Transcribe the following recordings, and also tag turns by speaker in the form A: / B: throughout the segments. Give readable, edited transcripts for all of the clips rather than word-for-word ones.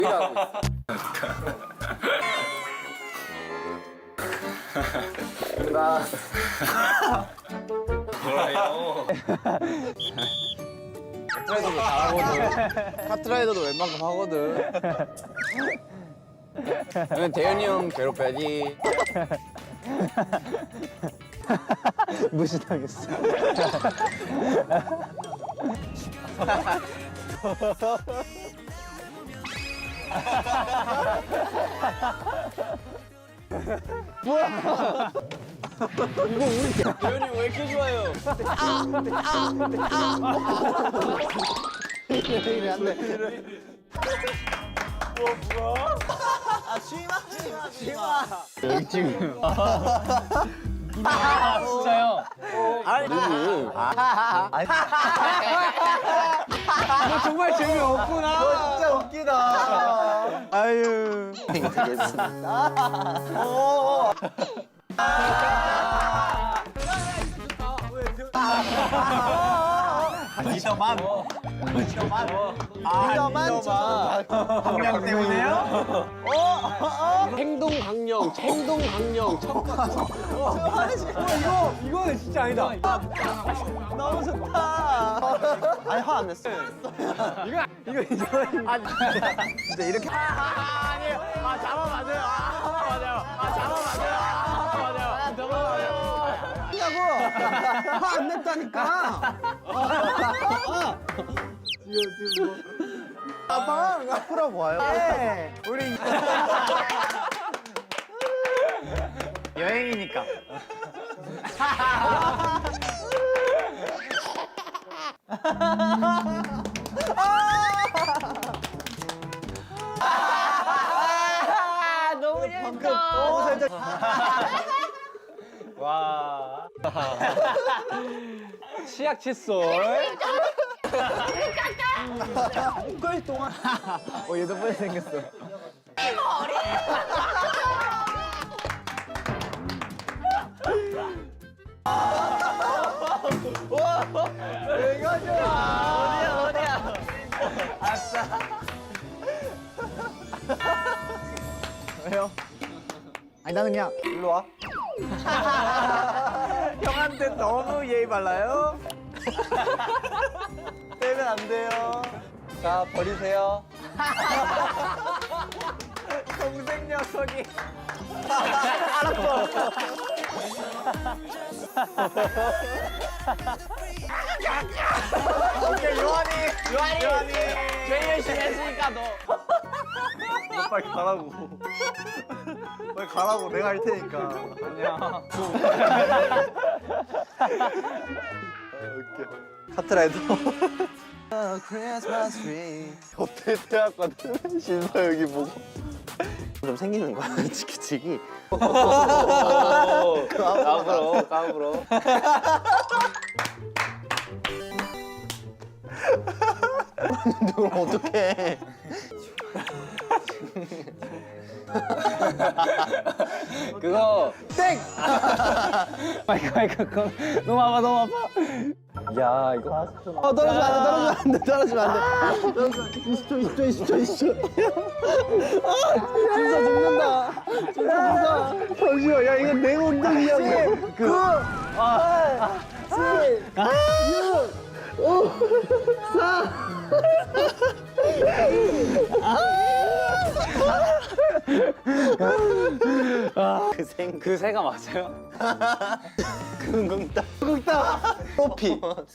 A: 일하고 있어. 나 뭐라요? 카트라이더도 잘하거든. 카트라이더도 웬만큼 하거든. 그냥 대현이 형 괴롭혀야지.
B: 무시당했어.
A: 대현이 왜 이렇게 좋아요?
B: 이래 안 돼. 여기 지금. 진짜요? 너 정말 재미없구나. 너 진짜 웃기다. 아유. 니더만. 강령 때문에요?
A: 행동 강령, 행동 강령.
B: 이거는 진짜 아니다. 너무 좋다. 아니 화 안 냈어. 이거 진짜 이렇게. 아니에요. 잡아맞아요. 화 안 냈다니까. 지금 뭐. 아방 앞으로 와요. 우리 여행이니까.
C: 너무 재밌다.
B: 와. 치약 칫솔. 꿀 동안. 얘도 빨리 생겼어. 이거 좋아. 어디야? 아싸. 왜요? 아니 나는 그냥 일로 와. 형한테 너무 예의 발라요. 빼면 안 돼요. 자 버리세요. 동생 녀석이. 알았어. 오케이 요한이
C: 제일 열심히 했으니까 너.
B: 너 빨리 가라고. 빨리 가라고. 내가 할 테니까. 아니야. 웃겨. 카트라이더. 크리스마스 트리. 호텔 대학거든. 신서여기 보고. 좀 생기는 거야. 치키치기.
A: 까불어, 까불어.
B: 그럼 어떡해.
A: 그거
B: 땡! 마이크 너무 아파. 야 이거 떨어지면 안 돼. 20초. 진짜 죽는다. 잠시만. 야 이거 내 엉덩이야. 9 8 7 6 5 4
A: 그 새가 맞아요?
B: 궁궁따 트로피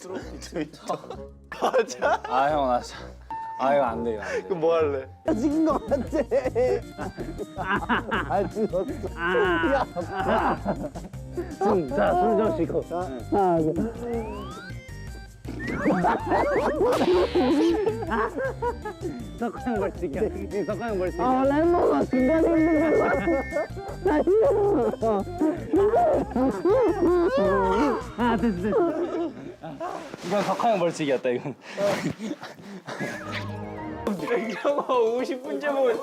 B: 맞아?
A: 아 형 나 참. 아 이거 안 돼, 이거 안 돼.
B: 그럼 뭐 할래? 찍은 거 같아. 찍었어. 숨좀 쉬고. 석가형 벌칙이야. 석가형 벌칙. 랩먹어. 중간에 있는 거. 나 싫어. 됐어.
A: 이건 석하형 벌칙이었다 이건.
C: 형아 50분째 보고.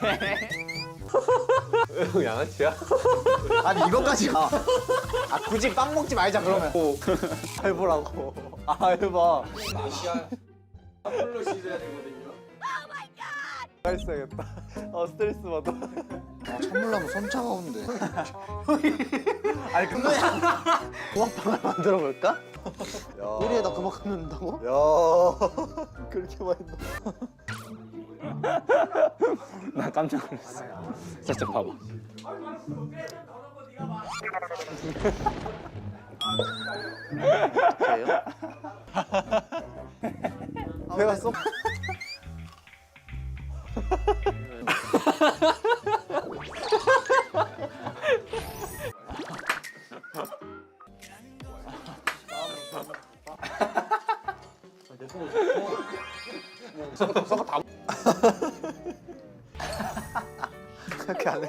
A: 양아치야?
B: 아니 이거까지 가. 굳이 빵 먹지 말자 그러면. 해보라고. 해봐.
A: 아시아 탑플로 시즌 되거든요.
C: 오 마이 갓. 있어야겠다. 스트레스 받아.
D: 선물하면 손 차가운데.
C: 아니 근데 붕어빵을 만들어 볼까?
D: 꼬리에다 그만큼 넣는다고?
C: 야 그렇게 많이 넣어.
A: 나 깜짝 놀랐어. 살짝 봐봐.
C: 내가 써. 그렇게 안 해.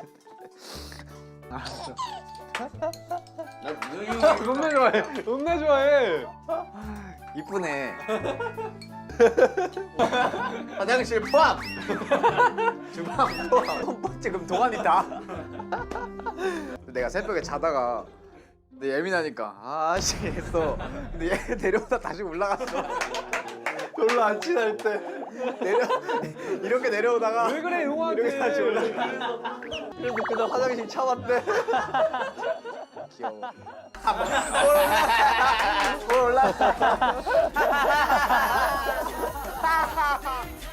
A: 겁나 좋아해. 겁나 좋아해.
C: 이쁘네. 화장실 포함. 주방 포함. 지금 동안이다. 내가 새벽에 자다가 근데 예민하니까 아씨 했어. 근데 얘 내려오다 다시 올라갔어. 별로 안 친할 때 이렇게 내려오다가
A: 왜 그래 용한테?
C: 이렇게 다시 올라가. 그래서 그냥 화장실 참았대. 귀여워. 뭘 올라?